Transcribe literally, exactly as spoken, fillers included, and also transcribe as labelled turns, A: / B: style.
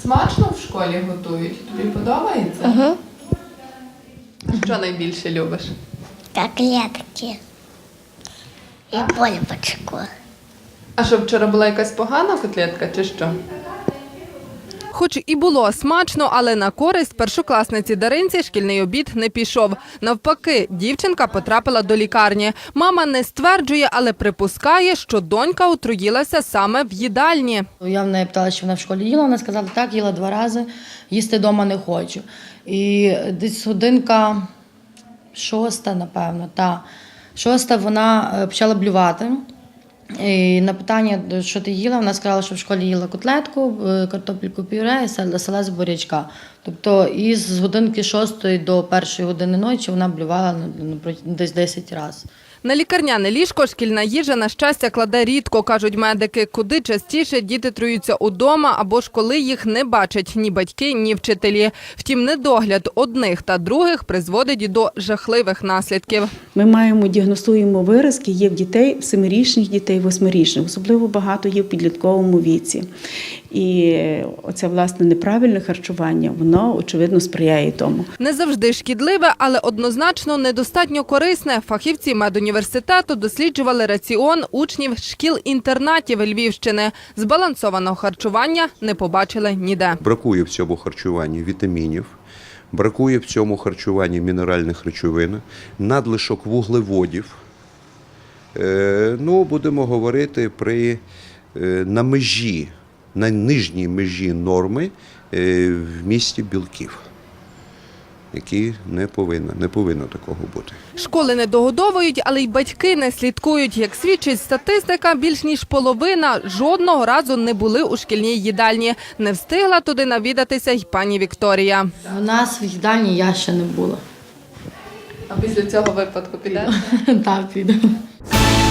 A: Смачно в школі готують? Тобі подобається?
B: Угу.
A: Що найбільше любиш?
B: Котлетки і бульбочку.
A: А що, вчора була якась погана котлетка чи що? Хоч і було смачно, але на користь першокласниці Даринці шкільний обід не пішов. Навпаки, дівчинка потрапила до лікарні. Мама не стверджує, але припускає, що донька отруїлася саме в їдальні.
C: Я в неї питала, що вона в школі їла, вона сказала, так, їла два рази, їсти вдома не хочу. І десь годинка шоста, напевно, та шоста вона е, почала блювати. І на питання, що ти їла, вона сказала, що в школі їла котлетку, е, картопельку пюре і сал- салат з бурячка. Тобто із годинки шостої до першої години ночі вона блювала ну, ну, десь десять разів.
A: На лікарняне ліжко шкільна їжа, на щастя, кладе рідко, кажуть медики. Куди частіше діти труються удома або ж коли їх не бачать ні батьки, ні вчителі. Втім, недогляд одних та других призводить і до жахливих наслідків.
D: Ми маємо, діагностуємо виразки, є в дітей, в семирічних дітей, восьмирічних. Особливо багато є в підлітковому віці. І оце, власне, неправильне харчування, воно, очевидно, сприяє тому.
A: Не завжди шкідливе, але однозначно недостатньо корисне. Фахівці медуніверситету досліджували раціон учнів шкіл-інтернатів Львівщини. Збалансованого харчування не побачили ніде.
E: Бракує в цьому харчуванні вітамінів, бракує в цьому харчуванні мінеральних речовин, надлишок вуглеводів. Е, ну, будемо говорити при е, на межі, на нижній межі норми е, в місті білків, які не повинно, не повинно такого бути.
A: Школи не догодовують, але й батьки не слідкують. Як свідчить статистика, більш ніж половина жодного разу не були у шкільній їдальні. Не встигла туди навідатися й пані Вікторія.
C: У нас в їдальні я ще не була.
A: А після цього випадку піде?
C: Так, піду.